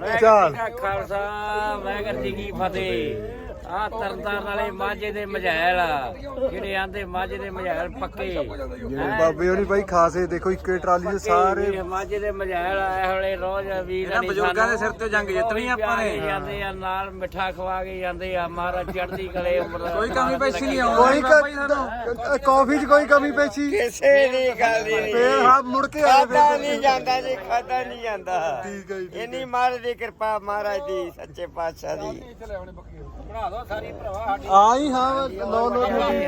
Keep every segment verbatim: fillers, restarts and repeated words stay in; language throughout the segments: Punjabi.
ਚੱਲ ਖਾਲਸਾ ਵਾਹਿਗੁਰੂ ਜੀ ਕੀ ਫਤਿਹ। ਆ ਤਰਨਤਾਰਨ ਵਾਲੇ ਮਾਝੇ ਦੇ ਮਝੈਲ ਆ ਜਿਹੜੇ ਆਂਦੇ ਮਾਝੇ ਦੇ ਮਝੈਲ ਪੱਕੇ ਬਾਬੇ ਹੋਣੀ ਬਾਈ ਖਾਸੇ ਦੇਖੋ ਇੱਕੇ ਟਰਾਲੀ ਦੇ ਸਾਰੇ ਮਾਝੇ ਦੇ ਮਝੈਲ ਆਏ ਹੋਲੇ ਰੋਜ਼ ਵੀਰ ਇਹਨਾਂ ਬਜ਼ੁਰਗਾਂ ਦੇ ਸਿਰ ਤੇ ਜੰਗ ਜਿੱਤਣੀ ਆਪਾਂ ਨੇ। ਜਾਂਦੇ ਆ ਨਾਲ ਮਿੱਠਾ ਖਵਾ ਕੇ ਜਾਂਦੇ ਆ ਮਹਾਰਾਜ ਚੜ੍ਹਦੀ ਕਲੇ ਉਮਰ ਕੋਈ ਕਮੀ ਪੇਸ਼ੀ ਨਹੀਂ ਕੋਈ ਆਉਂਦੀ ਕਾਫੀ ਚ ਕੋਈ ਕਮੀ ਪੇਸ਼ੀ ਕਿਸੇ ਦੀ ਗੱਲ ਨਹੀਂ ਫੇਰ ਹਾਂ ਮੁੜ ਕੇ ਆਏ ਖਾਦਾ ਨਹੀਂ ਜਾਂਦਾ ਜੀ ਖਾਦਾ ਨਹੀਂ ਜਾਂਦਾ। ਠੀਕ ਹੈ ਜੀ ਇੰਨੀ ਮਹਾਰਾਜ ਦੀ ਕਿਰਪਾ ਮਹਾਰਾਜ ਦੀ ਸੱਚੇ ਪਾਤਸ਼ਾਹ ਦੀ। ਆਈ ਹਾਂ ਲੋ ਲੋ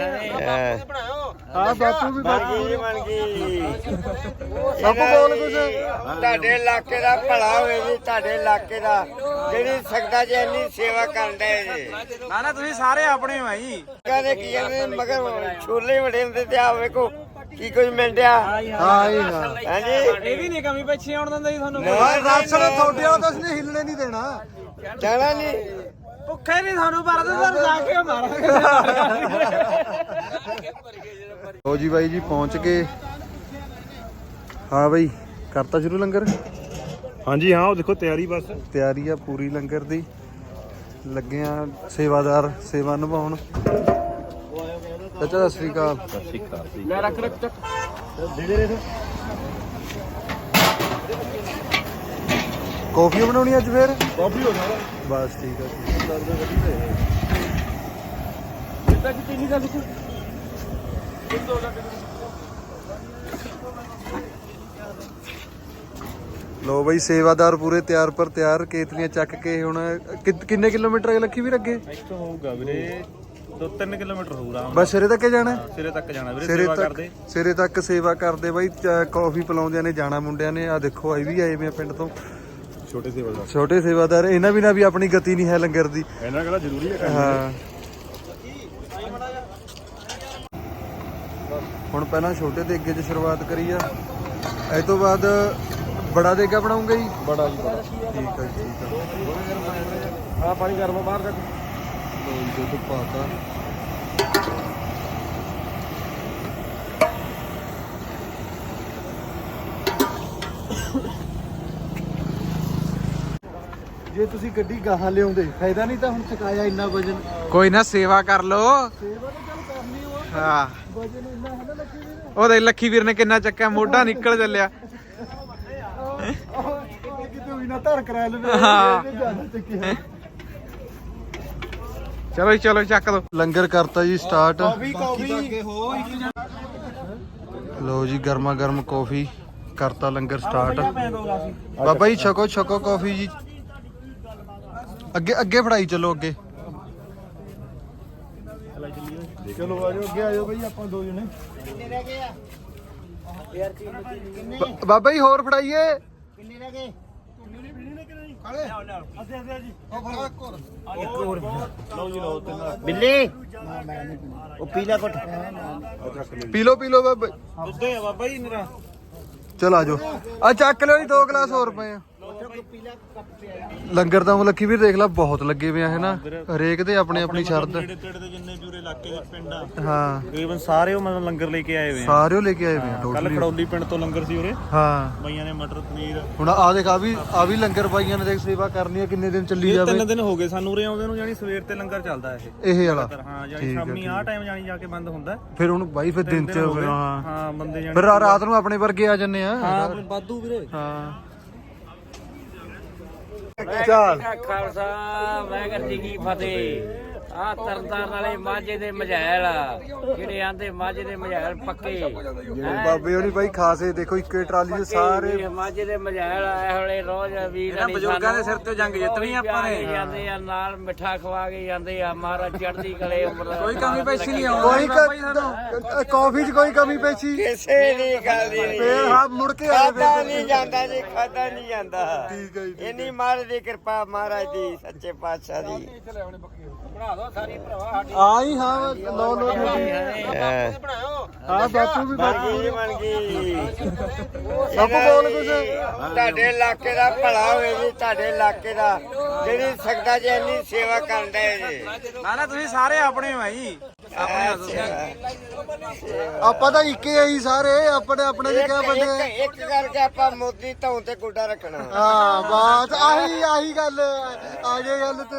ਹਾਂ ਬਾਪੂ ਵੀ ਬਾਕੀ ਬਣ ਗਈ ਸਭ ਬੋਲ ਕੁਛ ਤੁਹਾਡੇ ਇਲਾਕੇ ਦਾ ਭਲਾ ਹੋਵੇ ਜੀ ਤੁਹਾਡੇ ਇਲਾਕੇ ਦਾ ਜਿਹੜੀ ਸਕਦਾ ਜੀ ਇੰਨੀ ਸੇਵਾ ਕਰਨ ਦੇ ਜੀ। ਨਾ ਨਾ ਤੁਸੀਂ ਸਾਰੇ ਆਪਣੇ ਹੋ ਜੀ। ਕਹਿੰਦੇ ਕੀ ਕਹਿੰਦੇ ਮਗਰ ਛੋਲੇ ਵੜੇ ਹੁੰਦੇ ਤੇ ਆ ਵੇਖੋ ਕੀ ਕੁਝ ਮਿਲਦਿਆ। ਹਾਂ ਹੀ ਹਾਂ ਹਾਂਜੀ ਇਹ ਵੀ ਨਹੀਂ ਕਮੀ ਪੇਸ਼ੀ ਆਉਣ ਦਿੰਦਾ ਜੀ ਤੁਹਾਨੂੰ। ਰਾਸ਼ਨ ਤੁਹਾਡੇ ਵਾਲਾ ਤਾਂ ਉਸਨੇ ਹਿੱਲਣੇ ਨਹੀਂ ਦੇਣਾ ਜਾਣਾ ਨਹੀਂ ਭੁੱਖੇ ਨਹੀਂ ਤੁਹਾਨੂੰ ਪਰਦੇ ਸਰ ਜਾ ਕੇ ਮਾਰਾਂਗੇ। ਲੋ ਜੀ ਬਾਈ ਜੀ ਪਹੁੰਚ ਗਏ। ਹਾਂ ਬਾਈ ਕਰਤਾ ਸ਼ੁਰੂ ਲੰਗਰ। ਹਾਂਜੀ ਹਾਂ ਉਹ ਦੇਖੋ ਤਿਆਰੀ ਬਸ ਤਿਆਰੀ ਆ ਪੂਰੀ ਲੰਗਰ ਦੀ। ਲੱਗੇ ਆ ਸੇਵਾਦਾਰ ਸੇਵਾ ਨਿਭਾਉਣ। ਚਾਚਾ ਸਤਿ ਸ੍ਰੀ ਅਕਾਲ। ਮੈਂ ਰੱਖ ਰੱਖ ਚੱਕ ਕੌਫੀ ਬਣਾਉਣੀ ਅੱਜ ਫੇਰ ਕਾਫੀ ਹੋ ਜਾਣਾ ਬਸ ਠੀਕ ਆ ਜਿੱਦਾਂ ਕਿ ਤੀਨੀ ਦਾ ਲਿਖੋ ਲੋ ਬਈ ਸੇਵਾਦਾਰ ਪੂਰੇ ਤਿਆਰ ਪਰ ਤਿਆਰ ਕੇਤਲੀਆਂ ਚੱਕ ਕੇ ਹੁਣ ਕਿ- ਕਿੰਨੇ ਕਿਲੋਮੀਟਰ ਅਗੇ ਲੱਖੀ ਵੀ ਅੱਗੇ ਇੱਥੋਂ ਹੋਊਗਾ ਵੀਰੇ ਦੋ ਤਿੰਨ ਕਿਲੋਮੀਟਰ ਹੋਊਗਾ ਬਸ ਸਿਰੇ ਤੱਕ ਜਾਣਾ ਸਿਰੇ ਤੱਕ ਜਾਣਾ ਵੀਰੇ ਸਿਰੇ ਸੇਵਾ ਤੱਕ ਕਰਦੇ ਸਿਰੇ ਤੱਕ ਸੇਵਾ ਕਰਦੇ ਬਾਈ ਕਾਫੀ ਪਿਲਾਉਂਦਿਆਂ ਨੇ ਜਾਣਾ ਮੁੰਡਿਆਂ ਨੇ। ਆ ਦੇਖੋ ਆਈ ਵੀ ਆਏ ਵੇ ਆ ਪਿੰਡ ਤੋਂ ਛੋਟੇ ਸੇਵਾਦਾਰ ਛੋਟੇ ਸੇਵਾਦਾਰ। ਇਹਨਾਂ ਬਿਨਾਂ ਵੀ ਆਪਣੀ ਗਤੀ ਨਹੀਂ ਹੈ ਲੰਗਰ ਦੀ। ਇਹਨਾਂ ਕਹਿੰਦਾ ਜ਼ਰੂਰੀ ਹੈ ਹਾਂ ਹੁਣ ਪਹਿਲਾਂ ਛੋਟੇ ਦੇਗੇ 'ਚ ਸ਼ੁਰੂਆਤ ਕਰੀ ਆ। ਇਹ ਤੋਂ ਬਾਅਦ ਬੜਾ ਦੇਗਾ ਬਣਾਉਂਗਾ ਜੀ। ਬੜਾ ਜੀ ਬੜਾ ਠੀਕ ਹੈ ਠੀਕ ਆ। ਆ ਪਾਣੀ ਗਰਮ ਬਾਹਰ ਤੱਕ ਲੋ ਜੀ ਦੁੱਧ ਪਾਤਾ। ਜੇ ਤੁਸੀਂ ਗੱਡੀ ਗਾਹਾਂ ਲਿਆਉਂਦੇ ਫਾਇਦਾ ਨਹੀਂ ਤਾਂ ਹੁਣ ਚਕਾਇਆ ਇੰਨਾ ਵਜਨ। ਕੋਈ ਨਾ ਸੇਵਾ ਕਰ ਲੋ। ਸੇਵਾ ਤਾਂ ਚੱਲ ਕਰਨੀ ਓ ਆ। ਹਾਂ ਵਜਨ ਇੰਨਾ ਹੈ ਨਾ ਲੱਗੀ ਵੀ ਨਾ। ਉਹਦੇ ਲੱਖੀ ਵੀਰ ਨੇ ਕਿੰਨਾ ਚੱਕਿਆ ਮੋਢਾ ਨਿਕਲ ਚੱਲਿਆ। ਕਿਤੇ ਹੋਈ ਨਾ ਧਰ ਕਰਾ ਲਵੇ। ਹਾਂ। ਇਹਨੇ ਜ਼ਿਆਦਾ ਚੱਕਿਆ। ਚਲੋ ਜੀ ਚਲੋ ਚੱਕ ਦੋ। ਲੰਗਰ ਕਰਤਾ ਜੀ ਸਟਾਰਟ। ਕਾਫੀ ਹੋ ਲੋ ਜੀ ਗਰਮਾ ਗਰਮ ਕੌਫੀ ਕਰਤਾ ਲੰਗਰ ਸਟਾਰਟ। ਬਾਬਾ ਜੀ ਛਕੋ ਛਕੋ ਕੌਫੀ ਜੀ। ਅੱਗੇ ਅੱਗੇ ਫੜਾਈ ਚਲੋ ਅੱਗੇ। ਚਲੋ ਆਜੋ ਅੱਗੇ ਆਜੋ ਬਈ ਆਪਾਂ ਦੋ ਜਣੇ। ਬ- ਬਾਬਾ ਜੀ ਹੋਰ ਫੜਾਈਏ। ਬਿੱਲੀ ਉਹ ਪੀਲਾ ਕੁੱਟ ਪੀ ਲੋ ਪੀ ਲੋ ਬਾਬਾ। ਦੁੱਧੇ ਆ ਬਾਬਾ ਜੀ ਮੇਰਾ ਚਲ ਆਜੋ ਆ ਚੱਕ ਲਿਓ ਜੀ ਦੋ ਗਲਾਸ ਹੋਰ ਪਏ ਆ। ਲੰਗਰ ਤਾਂ ਲੱਖੀ ਵੀਰ ਦੇਖ ਲਾ ਬਹੁਤ ਲੱਗੇ ਪਏ ਆ ਹੈ ਨਾ। ਹਰੇਕ ਦੇ ਆਪਣੀ ਆਪਣੀ ਸ਼ਰਤ। ਨੇੜੇ ਤੇੜੇ ਦੇ ਜਿੰਨੇ ਜੂਰੇ ਇਲਾਕੇ ਦੇ ਪਿੰਡ ਆ ਹਾਂ ਤਕਰੀਬਨ ਸਾਰੇ ਉਹ ਮਤਲਬ ਲੰਗਰ ਲੈ ਕੇ ਆਏ ਹੋਏ ਆ। ਸਾਰੇ ਲੈ ਕੇ ਆਏ ਵੇ ਆ ਕੱਲ ਟੋਟਲੀ। ਖੜੌਲੀ ਪਿੰਡ ਤੋਂ ਲੰਗਰ ਸੀ ਉਰੇ ਹਾਂ ਬਾਈਆਂ ਨੇ ਮਟਰ ਪਨੀਰ ਹੁਣ ਆ ਦੇਖ ਆ ਵੀ ਆ ਵੀ ਲੰਗਰ ਪਾਈਆਂ ਨੇ ਦੇਖ ਸੇਵਾ ਕਰਨੀ ਆ ਕਿੰਨੇ ਦਿਨ ਚੱਲੀ ਇਹ ਜਾਵੇ। ਤਿੰਨ ਦਿਨ ਹੋ ਗਏ ਸਾਨੂੰ ਉਰੇ ਆਉਂਦੇ ਨੂੰ ਜਾਨੀ ਸਵੇਰ ਤੇ ਲੰਗਰ ਚੱਲਦਾ ਇਹ ਇਹ ਵਾਲਾ ਹਾਂ ਜਾਨੀ ਠੀਕ ਆ, ਸ਼ਾਮੀ ਆਹ ਟਾਈਮ ਜਾਨੀ ਜਾ ਕੇ ਬੰਦ ਹੁੰਦਾ। ਫਿਰ ਹੁਣ ਬਾਈ ਫਿਰ ਦਿਨ ਚ ਹੋ ਗਏ। ਹਾਂ ਹਾਂ ਬੰਦੇ ਜਾਨੀ ਫਿਰ ਰਾ- ਰਾਤ ਨੂੰ ਆਪਣੇ ਵਰਗੇ ਆ ਜੰਨੇ ਆ। ਹਾਂ ਵਾਧੂ ਵੀਰੇ ਹਾਂ ਚੱਲ ਖਾਲਸਾ ਵਾਹਿਗੁਰੂ ਜੀ ਕੀ ਫਤਿਹ। ਆ ਤਰਨਤਾਰਨ ਵਾਲੇ ਮਾਝੇ ਦੇ ਮਝੈਲ ਆ ਜਿਹੜੇ ਆਂਦੇ ਮਾਝੇ ਦੇ ਮਝੈਲ ਪੱਕੇ ਬਾਬੇ ਹੋਣੀ ਬਾਈ ਖਾਸੇ ਦੇਖੋ ਇੱਕੇ ਟਰਾਲੀ ਦੇ ਸਾਰੇ ਮਾਝੇ ਦੇ ਮਝੈਲ ਆਏ ਹੋਲੇ ਰੋਜ਼ ਵੀਰ ਇਹਨਾਂ ਬਜ਼ੁਰਗਾਂ ਦੇ ਸਿਰ ਤੇ ਜੰਗ ਜਿੱਤਣੀ ਆਪਾਂ ਨੇ। ਜਾਂਦੇ ਆ ਨਾਲ ਮਿੱਠਾ ਖਵਾ ਕੇ ਜਾਂਦੇ ਆ ਮਹਾਰਾਜ ਚੜ੍ਹਦੀ ਕਲੇ ਉਮਰ ਕੋਈ ਕਮੀ ਪੇਸ਼ੀ ਨਹੀਂ ਕੋਈ ਆਉਂਦੀ ਕ- ਕਾਫੀ ਚ ਕੋਈ ਕਮੀ ਪੇਸ਼ੀ ਕਿਸੇ ਦੀ ਗੱਲ ਨਹੀਂ ਫੇਰ ਹਾਂ ਮੁੜ ਕੇ ਆਏ ਖਾਦਾ ਨਹੀਂ ਜਾਂਦਾ ਜੀ ਖਾਦਾ ਨਹੀਂ ਜਾਂਦਾ। ਠੀਕ ਹੈ ਜੀ ਇੰਨੀ ਮਹਾਰਾਜ ਦੀ ਕਿਰਪਾ ਮਹਾਰਾਜ ਦੀ ਸੱਚੇ ਪਾਤਸ਼ਾਹ ਦੀ। ਆਈ ਹਾਂ ਲੋ ਲੋ ਹਾਂ ਬਾਪੂ ਵੀ ਬਣ ਗਈ ਬਣ ਗਈ ਸਭ ਬੋਲ ਕੁਛ ਤੁਹਾਡੇ ਇਲਾਕੇ ਦਾ ਭਲਾ ਹੋਵੇ ਜੀ ਤੁਹਾਡੇ ਇਲਾਕੇ ਦਾ ਜਿਹੜੀ ਸਕਦਾ ਜੀ ਇੰਨੀ ਸੇਵਾ ਕਰਨ ਦੇ ਜੀ। ਨਾ ਨਾ ਤੁਸੀਂ ਸਾਰੇ ਆਪਣੇ ਹੋ ਜੀ। ਆਪਾਂ ਤਾਂ ਇੱਕੇ ਆਈ ਸਾਰੇ ਆਪਣੇ ਆਪਣੇ ਦੇ ਕਿਆ ਬੰਦੇ ਇੱਕ ਕਰਕੇ ਆਪਾਂ ਮੋਦੀ ਧੌਣ ਤੇ ਗੁੱਡਾ ਰੱਖਣਾ ਹਾਂ ਬਾਤ ਆਹੀ ਆਹੀ ਗੱਲ ਆਗੇ ਗੱਲ ਤੇ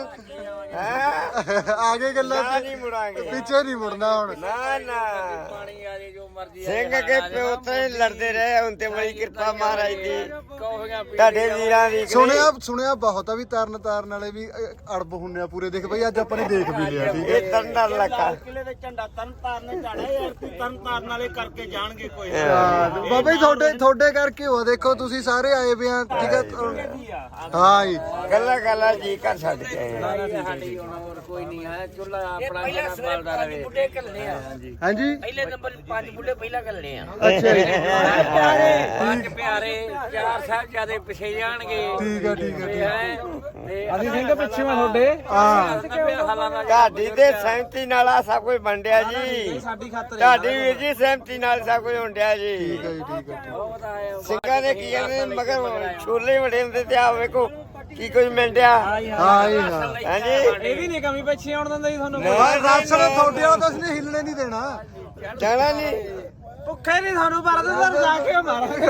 ਆਗੇ ਗੱਲਾਂ ਨਾ ਨਹੀਂ ਮੁੜਾਂਗੇ ਪਿੱਛੇ ਨਹੀਂ ਮੁੜਨਾ ਹੁਣ ਨਾ ਨਾ ਪਾਣੀ ਆ ਜੇ ਜੋ ਮਰਜ਼ੀ ਸਿੰਘ ਕੇ ਪਿਓ ਤੇ ਲੜਦੇ ਰਹੇ ਹੁਣ ਤੇ ਬੜੀ ਕਿਰਪਾ ਮਹਾਰਾਜ ਦੀ ਕੌਫੀਆਂ ਪੀ ਤੁਹਾਡੇ ਵੀਰਾਂ ਦੀ ਸੁਣਿਆ ਸੁਣਿਆ ਬਹੁਤ ਆ ਵੀ ਤਰਨ ਤਾਰਨ ਵਾਲੇ ਵੀ ਅ, ਅੜਬ ਹੁੰਨੇ ਆ ਪੂਰੇ ਦੇਖ ਬਈ ਅੱਜ ਆਪਾਂ ਨੇ ਦੇਖ ਵੀ ਲਿਆ ਠੀਕ ਹੈ ਇਹ ਤਰਨਤਾਰਨ ਇਲਾਕਾ ਕਿਲੇ ਦੇ ਝੰਡਾ ਤਰਨ ਤਾਰਨ ਝਾੜਾ ਯਾਰ ਤੂੰ ਤਰਨ ਤਾਰਨ ਵਾਲੇ ਕਰਕੇ ਜਾਣਗੇ ਕੋਈ ਬਾਬਾ ਜੀ ਤੁਹਾਡੇ ਤੁਹਾਡੇ ਕਰਕੇ ਹੋ ਦੇਖੋ ਤੁਸੀਂ ਸਾਰੇ ਆਏ ਵੇ ਆ ਠੀਕ ਹੈ ਹਾਂ ਜੀ ਗੱਲਾਂ ਗੱਲਾਂ ਜੀ ਕਰ ਛੱਡ ਕੇ ਆਏ ਆ। ਸਾਡੀ ਹੁਣ ਹੋਰ ਕੋਈ ਨਹੀਂ ਹੈ ਚੁੱਲਾ ਆਪਣਾ ਜਿਹੜਾ ਬਲਦਾ ਰਹੇ ਬੁੱਢੇ ਕੱਲੇ ਆ ਹਾਂਜੀ ਪਹਿਲੇ ਨੰਬਰ ਪੰਜ ਬੁੱਢੇ ਪਹਿਲਾਂ ਕੱਲੇ ਆ ਅੱਛਾ ਜੀ ਪੰਜ ਪਿਆਰੇ ਚਾਰ ਸਾਹਿਬਜ਼ਾਦੇ ਪਿਛੇ ਜਾਣਗੇ ਠੀਕ ਆ ਠੀਕ ਆ ਠੀਕ ਆ। ਅਸੀਂ ਸਿੰਘ ਪਿੱਛੇ ਮੈਂ ਤੁਹਾਡੇ ਹਾਂ ਤੁਹਾਡੀ ਦੇ ਸਹਿਮਤੀ ਨਾਲ ਆ ਸਭ ਕੁਝ ਵੰਡਿਆ ਜੀ ਸਾਡੀ ਖਾਤਰ ਤੁਹਾਡੀ ਵੀਰ ਜੀ ਸਹਿਮਤੀ ਨਾਲ ਸਭ ਕੁਝ ਵੰਡਿਆ ਜੀ ਠੀਕ ਆ ਜੀ ਠੀਕ ਆ ਠੀਕ ਸਿੰਘਾਂ ਨੇ ਕੀ ਕਹਿੰਦੇ ਮਗਰ ਛੋਲੇ ਵੜੇ ਹੁੰਦੇ ਤੇ ਆ ਵੇਖੋ ਕੀ ਕੁਝ ਮਿਲਦਿਆ ਆ ਹਾਂ ਜੀ ਹਾਂ ਹਾਂਜੀ ਇਹ ਵੀ ਨਹੀਂ ਕਮੀ ਪਿੱਛੇ ਆਉਣ ਦਿੰਦਾ ਜੀ ਤੁਹਾਨੂੰ ਰਾਸ਼ਨ ਤੁਹਾਡੇ ਵਾਲਾ ਤਾਂ ਉਸਨੇ ਹਿੱਲਣੇ ਨਹੀਂ ਦੇਣਾ ਜਾਣਾ ਨਹੀਂ ਭੁੱਖੇ ਨਹੀਂ ਤੁਹਾਨੂੰ ਪਰਦੇ ਸਰ ਜਾ ਕੇ ਮਾਰਾਂਗੇ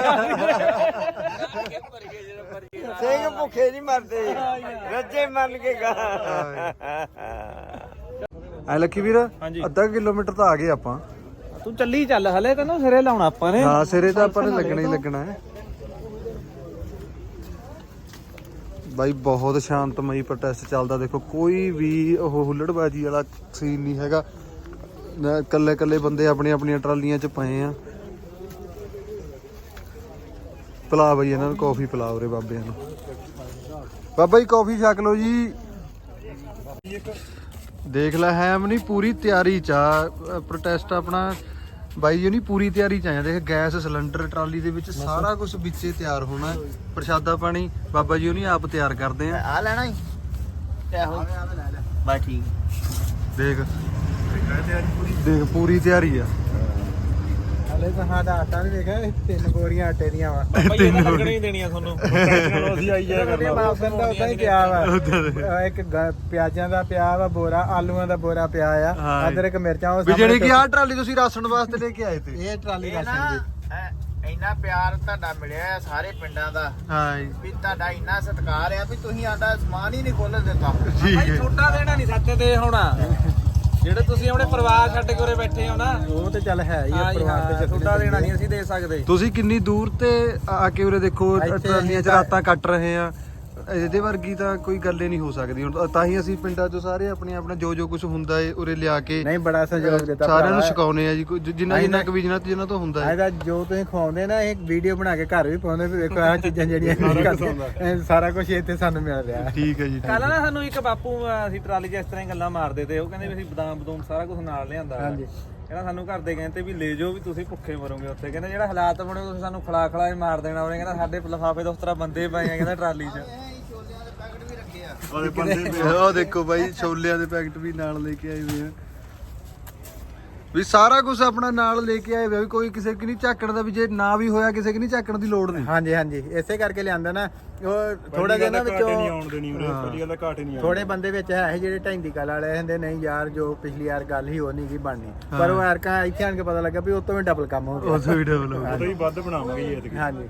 ਸਿੰਘ ਭੁੱਖੇ ਨਹੀਂ ਮਰਦੇ ਰੱਜੇ ਮੰਨ ਕੇ ਗਾ ਐ ਲੱਕੀ ਵੀਰ ਅੱਧਾ ਕਿਲੋਮੀਟਰ ਤਾਂ ਆ ਗਏ ਆਪਾਂ ਤੂੰ ਚੱਲੀ ਚੱਲ ਹਲੇ ਤੈਨੂੰ ਸਿਰੇ ਲਾਉਣਾ ਆਪਾਂ ਨੇ ਹਾਂ ਸਿਰੇ ਤਾਂ ਆਪਾਂ ਨੇ ਲੱਗਣਾ ਹੀ ਲੱਗਣਾ ਹੈ ਬਾਈ ਬਹੁਤ ਸ਼ਾਂਤਮਈ ਪ੍ਰੋਟੈਸਟ ਚੱਲਦਾ ਦੇਖੋ ਕੋਈ ਵੀ ਉਹ ਹੁੱਲੜਬਾਜੀ ਵਾਲਾ ਸੀਨ ਨਹੀਂ ਹੈਗਾ ਕੱਲੇ ਕੱਲੇ ਬੰਦੇ ਆਪਣੀਆਂ ਆਪਣੀਆਂ ਟਰਾਲੀਆਂ 'ਚ ਪਏ ਆ ਪਿਲਾ ਬਈ ਇਹਨਾਂ ਨੂੰ ਕੌਫੀ ਪਿਲਾ ਉਰੇ ਬਾਬਿਆਂ ਨੂੰ ਬਾਬਾ ਜੀ ਕੌਫੀ ਛਕ ਲਓ ਜੀ ਦੇਖ ਲੈ ਹੈਮ ਨਹੀਂ ਪੂਰੀ ਤਿਆਰੀ ਚ ਆ ਪ੍ਰੋਟੈਸਟ ਆਪਣਾ ਬਾਈ ਜੀ ਨਹੀਂ ਪੂਰੀ ਤਿਆਰੀ ਚ ਆਇਆ ਦੇਖ ਗੈਸ ਸਿਲੰਡਰ ਟਰਾਲੀ ਦੇ ਵਿੱਚ ਸਾਰਾ ਕੁਝ ਵਿੱਚੇ ਤਿਆਰ ਹੋਣਾ ਪ੍ਰਸ਼ਾਦਾ ਪਾਣੀ ਬਾਬਾ ਜੀ ਉਹਨੀ ਆਪ ਤਿਆਰ ਕਰਦੇ ਆ ਆ ਲੈਣਾ ਹੀ ਬਸ ਠੀਕ ਦੇਖ ਦੇਖ ਪੂਰੀ ਤਿਆਰੀ ਆ ਹਲੇ ਤਾਂ ਸਾਡਾ ਆਟਾ ਨਹੀਂ ਦੇਖਿਆ ਤਿੰਨ ਬੋਰੀਆਂ ਆਟੇ ਦੀਆਂ ਵਾ ਭਾਈ ਇਹ ਲੱਗਣੀ ਹੀ ਦੇਣੀਆਂ ਤੁਹਾਨੂੰ ਅਸੀਂ ਆਈ ਜਾਇਆ ਕਰਨਾ ਮਾਫਨ ਦਾ ਉਦਾਂ ਹੀ ਪਿਆ ਵਾ ਇੱਕ ਗ- ਪਿਆਜ਼ਾਂ ਦਾ ਪਿਆ ਵਾ ਬੋਰਾ ਆਲੂਆਂ ਦਾ ਬੋਰਾ ਪਿਆ ਆ ਅਦਰਕ ਮਿਰਚਾਂ ਉਹ ਵੀ ਜਿਹੜੀ ਕਿ ਆਹ ਟਰਾਲੀ ਤੁਸੀਂ ਰਾਸ਼ਨ ਵਾਸਤੇ ਲੈ ਕੇ ਆਏ ਤੇ ਇਹ ਟਰਾਲੀ ਰਾਸ਼ਨ ਦੀ ਇੰਨਾ ਪਿਆਰ ਤੁਹਾਡਾ ਮਿਲਿਆ ਹੈ ਸਾਰੇ ਪਿੰਡਾਂ ਦਾ ਹਾਂ ਜੀ ਵੀ ਤੁਹਾਡਾ ਇੰਨਾ ਸਤਿਕਾਰ ਆ ਵੀ ਤੁਸੀਂ ਆਡਾ ਸਮਾਨ ਹੀ ਨਹੀਂ ਖੋਲ੍ਹਣ ਦਿੱਤਾ ਠੀਕ ਹੈ ਛੋਟਾ ਦੇਣਾ ਨਹੀਂ ਸੱਤੇ ਤੇ ਹੋਣਾ ਜਿਹੜੇ ਤੁਸੀਂ ਆਪਣੇ ਪਰਿਵਾਰ ਛੱਡ ਕੇ ਉਰੇ ਬੈਠੇ ਹੋ ਨਾ ਉਹ ਤੇ ਚੱਲ ਹੈ ਹੀ ਆ ਪਰਿਵਾਰ ਤੇ ਛੋਟਾ ਦੇਣਾ ਨਹੀਂ ਅਸੀਂ ਦੇ ਸਕਦੇ ਤੁਸੀਂ ਕਿੰਨੀ ਦੂਰ ਤੇ ਆ ਕੇ ਉਰੇ ਦੇਖੋ ਟਰਾਲੀਆਂ 'ਚ ਰਾਤਾਂ ਕੱਟ ਰਹੇ ਆ ਇਹਦੇ ਵਰਗੀ ਤਾਂ ਕੋਈ ਗੱਲ ਹੀ ਨਹੀਂ ਹੋ ਸਕਦੀ ਹੁਣ ਤਾਂ ਹੀ ਅਸੀਂ ਪਿੰਡਾਂ 'ਚੋਂ ਸਾਰੇ ਆਪਣੇ ਆਪਣਾ ਜੋ ਜੋ ਕੁਝ ਹੁੰਦਾ ਏ ਉਰੇ ਲਿਆ ਕੇ ਨਹੀਂ ਬੜਾ ਸਹਿਯੋਗ ਦਿੱਤਾ ਸਾਰਿਆਂ ਨੂੰ ਛਕਾਉਨੇ ਆ ਜੀ ਕੋਈ ਜਿੰਨਾ ਜਿੰਨਾ ਕੁ ਵੀ ਜਿੰਨਾ ਤੋਂ ਜਿੰਨਾ ਤੋਂ ਹੁੰਦਾ ਹੈ ਇਹਦਾ ਜੋ ਤੁਸੀਂ ਖਵਾਉਂਦੇ ਨਾ ਇਹ ਵੀਡੀਓ ਬਣਾ ਕੇ ਘਰ ਵੀ ਪਾਉਂਦੇ ਵੀ ਦੇਖੋ ਆਹ ਚੀਜ਼ਾਂ ਜਿਹੜੀਆਂ ਇਹ ਸਾਰਾ ਕੁਝ ਇੱਥੇ ਸਾਨੂੰ ਮਿਲ ਰਿਹਾ ਠੀਕ ਹੈ ਜੀ ਠੀਕ ਕੱਲ ਹੈ। ਨਾ ਸਾਨੂੰ ਇੱਕ ਬਾਪੂ ਅਸੀਂ ਟਰਾਲੀ 'ਚ ਇਸ ਤਰ੍ਹਾਂ ਹੀ ਗੱਲਾਂ ਮਾਰਦੇ ਤੇ ਉਹ ਕਹਿੰਦੇ ਵੀ ਅਸੀਂ ਬਦਾਮ ਬਦੂਮ ਸਾਰਾ ਕੁਝ ਨਾਲ ਲਿਆਂਦਾ ਹਾਂਜੀ ਕਹਿੰਦਾ ਸਾਨੂੰ ਘਰ ਦੇ ਕਹਿੰਦੇ ਵੀ ਲੈ ਜਾਓ ਵੀ ਤੁਸੀਂ ਭੁੱਖੇ ਮਰੋਗੇ ਉੱਥੇ ਕਹਿੰਦਾ ਜਿਹੜਾ ਹਾਲਾਤ ਬਣੇ ਤੁਸੀਂ ਸਾਨੂੰ ਖਲਾ ਖਲਾ ਹੀ ਮਾਰ ਦੇਣਾ ਉਹਨੇ ਕਹਿੰਦਾ ਸਾਡੇ ਲਿਫਾਫੇ ਤੋਂ ਉਸ ਤਰ੍ਹਾਂ ਬੰਦੇ ਪਏ ਆ ਕਹਿੰਦਾ ਟਰਾਲੀ 'ਚ ਉਹ ਦੇਖੋ ਬਾਈ ਛੋਲਿਆਂ ਦੇ ਪੈਕਟ ਵੀ ਨਾਲ ਲੈ ਕੇ ਆਏ ਹੋਏ ਆ ਵੀ ਸਾਰਾ ਕੁਝ ਆਪਣਾ ਨਾਲ ਲੈ ਕੇ ਆਏ ਹੋਏ ਵੀ ਕੋਈ ਕਿਸੇ ਕਿ ਨਹੀਂ ਝਾਕਣ ਦਾ ਵੀ ਜੇ ਨਾ ਵੀ ਹੋਇਆ ਕਿਸੇ ਕਿ ਨਹੀਂ ਝਾਕਣ ਦੀ ਲੋੜ ਨਹੀਂ ਹਾਂਜੀ ਹਾਂਜੀ ਇਸੇ ਕਰਕੇ ਲਿਆਂਦਾ ਨਾ ਉਹ ਥੋੜਾ ਜਿਹਾ ਨਾ ਵਿੱਚੋਂ ਆਉਣ ਦੇਣੀ ਉਰੇ ਪਹਿਲੀ ਗੱਲ ਤਾਂ ਘਾਟ ਹੀ ਨਹੀਂ ਥੋੜੇ ਬੰਦੇ ਵਿੱਚ ਹੈ ਜਿਹੜੇ ਢੈਂਦੀ ਗੱਲ ਵਾਲੇ ਹੁੰਦੇ ਨਹੀਂ ਯਾਰ ਜੋ ਪਿਛਲੀ ਵਾਰ ਗੱਲ ਹੀ ਉਹ ਨਹੀਂ ਕੀ ਬਣਨੀ ਪਰ ਉਹ ਐਰਕਾ ਇੱਥੇ ਆਣ ਕੇ ਪਤਾ ਲੱਗਾ ਵੀ ਉਹ ਤੋਂ ਵੀ ਡਬਲ ਕੰਮ ਹੋ ਗਿਆ ਉਸ ਵੀ ਡਬਲ ਹੋ ਗਿਆ ਆਉਂਦਾ ਹੀ ਵੱਧ ਬਣਾਵਾਂਗੇ ਜੀ ਐਤਕੀ ਹਾਂਜੀ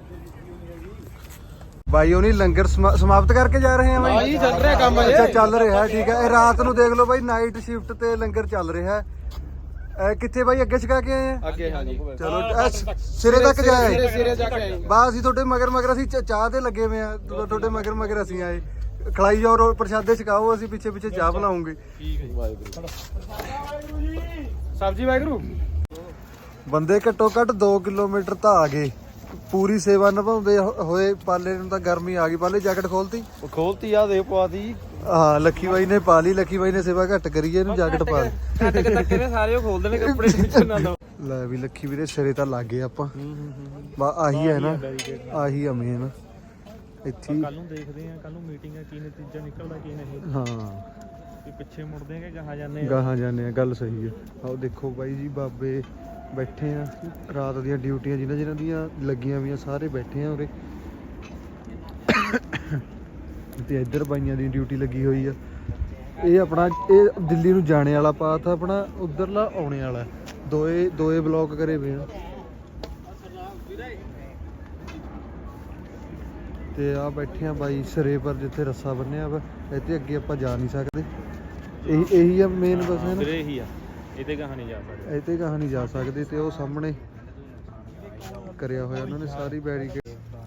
ਬਾਈ ਉਹਨੀ ਲੰਗਰ ਸਮਾ- ਸਮਾਪਤ ਕਰਕੇ ਜਾ ਰਹੇ ਆ ਬਾਈ ਹਾਂਜੀ, ਚੱਲ ਰਿਹਾ ਕੰਮ ਅਜੇ। ਅੱਛਾ ਚੱਲ ਰਿਹਾ ਠੀਕ ਹੈ ਇਹ ਰਾਤ ਨੂੰ ਦੇਖ ਲਓ ਬਾਈ ਨਾਈਟ ਸ਼ਿਫਟ ਤੇ ਲੰਗਰ ਚੱਲ ਰਿਹਾ ਹੈ ਇਹ ਕਿੱਥੇ ਬਾਈ ਅੱਗੇ ਛਕਾ ਕੇ ਆਏ ਆ ਅੱਗੇ ਹਾਂਜੀ ਚਲੋ ਇਹ ਸ- ਸਿਰੇ ਤੱਕ ਜਾਏ ਸਿਰੇ ਜਾ ਕੇ ਆਏ ਬਸ ਅਸੀਂ ਤੁਹਾਡੇ ਮਗਰ ਮਗਰ ਅਸੀਂ ਚ- ਚਾਹ ਤੇ ਲੱਗੇ ਹੋਏ ਆ ਤੁ- ਤੁਹਾਡੇ ਮਗਰ ਮਗਰ ਅਸੀਂ ਆਏ ਖਲਾਈ ਜਾਓ ਰੋ ਪ੍ਰਸ਼ਾਦੇ ਛਕਾਓ ਅਸੀਂ ਪਿੱਛੇ ਪਿੱਛੇ ਚਾਹ ਬਣਾਉਂਗੇ ਸਬਜੀ ਵਾਹਿਗੁਰੂ ਬੰਦੇ ਘੱਟੋ ਘੱਟ ਦੋ ਕਿਲੋਮੀਟਰ ਤਾਂ ਆ ਗਏ ਪੂਰੀ ਸੇਵਾ ਨਿਭਾਉਂਦੇ ਹੋ- ਹੋਏ ਪਾਲੇ ਨੂੰ ਤਾਂ ਗਰਮੀ ਆ ਗਈ ਪਾਲੇ ਜੈਕਟ ਖੋਲਤੀ ਖੋਲਤੀ ਆ ਦੇ ਪਵਾਤੀ ਹਾਂ ਲੱਖੀ ਬਾਈ ਨੇ ਪਾ ਲਈ ਲੱਖੀ ਬਾਈ ਨੇ ਸੇਵਾ ਘੱਟ ਕਰੀ ਇਹਨੂੰ ਜੈਕਟ ਪਾ ਲਈ ਕੱਟ ਕੇ ਧੱਕੇ ਨੇ ਸਾਰੇ ਉਹ ਖੋਲਦੇ ਨੇ ਕੱਪੜੇ ਟੈਨਸ਼ਨ ਨਾ ਲਓ ਲੈ ਵੀ ਲੱਖੀ ਵੀਰੇ ਸਿਰੇ ਤਾਂ ਲੱਗ ਗਏ ਆਪਾਂ ਬਾ ਆਹੀ ਹੈ ਨਾ ਆਹੀ ਆ ਮੇਨ ਇੱਥੇ ਹੀ- ਕੱਲ ਨੂੰ ਦੇਖਦੇ ਆ ਕੱਲ ਨੂੰ ਮੀਟਿੰਗ ਆ ਕੀ ਨਤੀਜਾ ਨਿਕਲਦਾ ਕੀ ਨਹੀਂ ਹਾਂ ਵੀ ਪਿੱਛੇ ਮੁੜਦੇ ਆ ਕਿ ਗਾਹਾਂ ਜਾਂਦੇ ਆ ਗਾਹਾਂ ਜਾਂਦੇ ਆ ਗੱਲ ਸਹੀ ਹੈ ਆਓ ਦੇਖੋ ਬਾਈ ਜੀ ਬਾਬੇ ਬੈਠੇ ਆ ਰਾਤ ਦੀਆਂ ਡਿਊਟੀਆਂ ਜਿਨ੍ਹਾਂ ਜਿਨ੍ਹਾਂ ਦੀਆਂ ਲੱਗੀਆਂ ਵੀਆਂ ਸਾਰੇ ਬੈਠੇ ਆ ਉਰੇ ਤੇ ਇੱਧਰ ਬਾਈਆਂ ਦੀ ਡਿਊਟੀ ਲੱਗੀ ਹੋਈ ਆ ਇਹ ਆਪਣਾ ਇਹ ਦਿੱਲੀ ਨੂੰ ਜਾਣੇ ਵਾਲਾ ਪਾਥ ਆ ਆਪਣਾ, ਉਧਰਲਾ ਆਉਣੇ ਵਾਲਾ, ਦੋਏ ਦੋਏ ਬਲੌਕ ਕਰੇ ਪਏ ਆ। ਤੇ ਆ ਬੈਠੇ ਆ ਬਾਈ ਸਿਰੇ ਪਰ ਜਿੱਥੇ ਰੱਸਾ ਬੰਨਿਆ ਵਾ, ਇੱਥੇ ਅੱਗੇ ਆਪਾਂ ਜਾ ਨਹੀਂ ਸਕਦੇ। ਇਹੀ ਇਹੀ ਆ ਮੇਨ ਬਸ ਹੈ ਨਾ, ਵੀਰੇ ਇਹੀ ਆ, ਇਹਦੇ ਕਹਾਂ ਨਹੀਂ ਜਾ ਸਕਦੇ, ਇੱਥੇ ਕਹਾਂ ਨਹੀਂ ਜਾ ਸਕਦੇ। ਤੇ ਉਹ ਸਾਹਮਣੇ ਕਰਿਆ ਹੋਇਆ ਉਹਨਾਂ ਨੇ ਸਾਰੀ ਬੈਰੀਕੇਡ।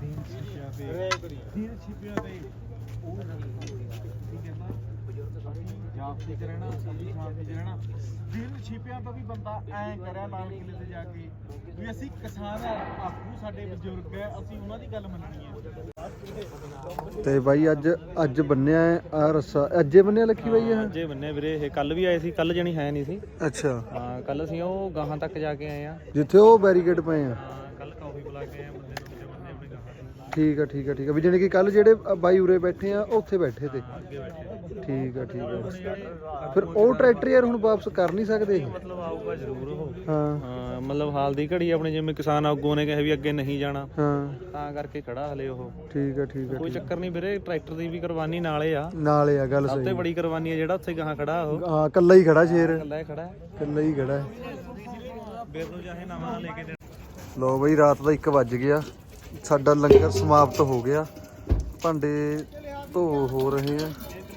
ਜਾਪਤੀ ਚ ਰਹਿਣਾ, ਸਾਡੀ ਸ਼ਾਂਤੀ ਚ ਰਹਿਣਾ। ਵੀਰ ਛਿਪਿਆਂ ਤੋਂ ਵੀ ਬੰਦਾ ਐਂ ਕਰਿਆ ਲਾਲ ਕਿਲੇ ਤੇ ਜਾ ਕੇ ਵੀ ਅਸੀਂ ਕਿਸਾਨ ਆਗੂ, ਸਾਡੇ ਬਜ਼ੁਰਗ ਹੈ, ਅਸੀਂ ਉਹਨਾਂ ਦੀ ਗੱਲ ਮੰਨਣੀ ਹੈ। ਤੇ ਬਾਈ ਅੱਜ ਅੱਜ ਬੰਨਿਆ ਆ ਰੱਸਾ, ਅੱਜੇ ਬੰਨਿਆ ਲੱਕੀ ਬਾਈ ਇਹ? ਜੇ ਬੰਨੇ ਵੀਰੇ ਇਹ ਕੱਲ ਵੀ ਆਏ ਸੀ, ਕੱਲ ਜਣੀ ਹੈ ਨਹੀਂ ਸੀ। ਅੱਛਾ ਹਾਂ ਕੱਲ ਅਸੀਂ ਉਹ ਗਾਹਾਂ ਤੱਕ ਜਾ ਕੇ ਆਏ ਆ। ਜਿੱਥੇ ਉਹ ਬੈਰੀਕੇਡ ਪਏ ਆ। ਕੱਲ ਕਾਫੀ ਬੁਲਾ ਕੇ ਆਏ ਆ ਬੰਦੇ ਨੂੰ, ਬੰਦੇ ਆਪਣੇ ਗਾਹਾਂ ਠੀਕ ਆ ਠੀਕ ਆ ਠੀਕ ਆ, ਵੀ ਜਾਣੀ ਕਿ ਕੱਲ ਜਿਹੜੇ ਬਾਈ ਉਰੇ ਬੈਠੇ ਆ ਉਹ ਉੱਥੇ ਬੈਠੇ ਤੇ। ਠੀਕ ਆ ਠੀਕ ਆ। ਫਿਰ ਉਹ ਟਰੈਕਟਰ ਯਾਰ ਹੁਣ ਵਾਪਸ ਕਰ ਨਹੀਂ ਸਕਦੇ ਇਹ? ਮਤਲਬ ਆਊਗਾ ਜ਼ਰੂਰ ਉਹ। ਹਾਂ ਹਾਂ ਮਤਲਬ ਹਾਲ ਦੀ ਘੜੀ ਆਪਣੇ ਜਿਵੇਂ ਕਿਸਾਨ ਆਗੂਆਂ ਨੇ ਕਿਹਾ ਵੀ ਅੱਗੇ ਨਹੀਂ ਜਾਣਾ, ਹਾਂ ਤਾਂ ਕਰਕੇ ਖੜਾ ਹਲੇ ਉਹ। ਠੀਕ ਆ ਠੀਕ ਆ ਕੋਈ ਚੱਕਰ ਨਹੀਂ ਵੀਰੇ, ਟਰੈਕਟਰ ਦੀ ਵੀ ਕੁਰਬਾਨੀ ਨਾਲੇ ਆ। ਨਾਲੇ ਆ ਗੱਲ ਸਭ ਸਹੀ। ਤੋਂ ਬੜੀ ਕੁਰਬਾਨੀ ਆ ਜਿਹੜਾ ਉੱਥੇ ਗਾਹਾਂ ਖੜਾ ਉਹ। ਹਾਂ ਕੱਲਾ ਹੀ ਖੜਾ ਸ਼ੇਰ, ਇਕੱਲਾ ਹੀ ਖੜਾ ਹੈ, ਕੱਲਾ ਹੀ ਖੜਾ ਹੈ। ਵੀਰ ਨੂੰ ਚਾਹੇ ਨਵਾਂ ਲੈ ਕੇ ਦੇ। ਲੋ ਬਈ ਰਾਤ ਦਾ ਇੱਕ ਵੱਜ ਗਿਆ, ਸਾਡਾ ਲੰਗਰ ਸਮਾਪਤ ਹੋ ਗਿਆ, ਭਾਂਡੇ ਧੋ ਹੋ ਰਹੇ ਆ।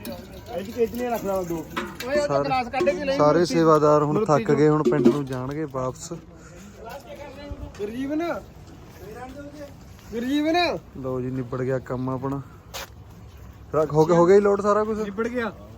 ਸਾਰੇ ਸਾਰੇ ਸੇਵਾਦਾਰ ਹੁਣ ਥੱਕ ਗਏ, ਹੁਣ ਪਿੰਡ ਨੂੰ ਜਾਣਗੇ ਵਾਪਸ। ਗੁਰਜੀਵਨ ਗੁਰਜੀਵਨ ਲੋ ਜੀ ਨਿਬੜ ਗਿਆ ਕੰਮ ਆਪਣਾ। ਰੱਖ ਹੋ ਗਿਆ ਹੋ ਗਿਆ ਹੀ ਲੋਡ ਸਾਰਾ ਕੁਝ ਨਿਬੜ ਗਿਆ।